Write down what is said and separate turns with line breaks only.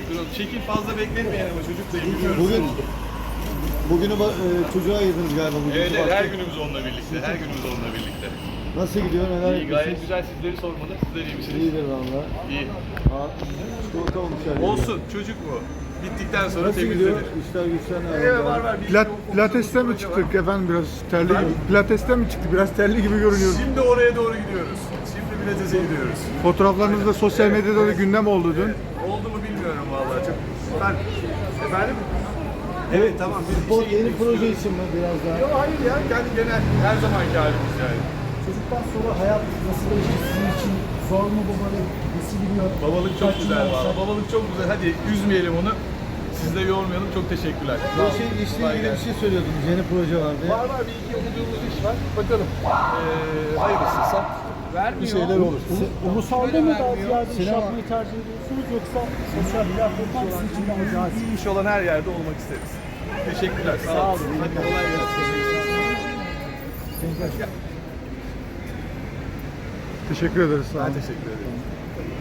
Duralım. Çekil, fazla bekletmeyin ama çocuk da biliyoruz.
Bugünü çocuğa ayırdınız galiba.
Evet, her günümüz onunla birlikte. Her günümüz onunla birlikte.
Nasıl gidiyor? Neler
İyi,
yapıyorsunuz?
gayet güzel. Sizleri sormalı. Sizler iyi misiniz?
İyidir valla.
İyi.
Çikolata olmuş her
Olsun, çocuk bu. Bittikten sonra
Nasıl gidiyor?
temizlenir.
İşler güçler ne?
Evet, var.
Pilates'te mi çıktık efendim biraz terli gibi? Pilates'te mi çıktık? Biraz terli gibi görünüyor.
Şimdi oraya doğru gidiyoruz. Şimdi Pilates'e gidiyoruz.
Fotoğraflarınız da sosyal medyada da gündem oldu dün.
Oldu mu bilmiyorum vallahi. Çok. Efendim? Evet, tamam. Biz
Bu
işe
yeni
gitmek
proje
istiyoruz.
için mi biraz daha?
Yok, hayır ya. Kendi genel her zamanki halimiz yani.
Çocuktan sonra hayat nasıl geçti sizin için? Zor mu babalık? Nasıl gidiyor?
Babalık çok
Kaç
güzel
yıl
valla.
olsa-
Babalık çok güzel. Hadi üzmeyelim onu. Siz de yormayalım. Çok teşekkürler. Sağ
Bu
olun.
şey işle
Kolay
ilgili bir
gelsin.
şey söylüyordunuz. Yeni proje vardı.
Var bir iki okuduğumuz iş var. Bakalım. Hayırlısıysa bir şeyler olur.
Ulusalda mı daha ziyade iş
Sinema.
yapmayı tercih ediyorsunuz yoksa sosyal platformlar sizin için daha cazip?
İyi iş olan her yerde olmak isteriz. Teşekkürler. Sağ olun. Hadi kolay gelsin.
Teşekkür ederiz. Sağ olun.
Ben teşekkür ederim.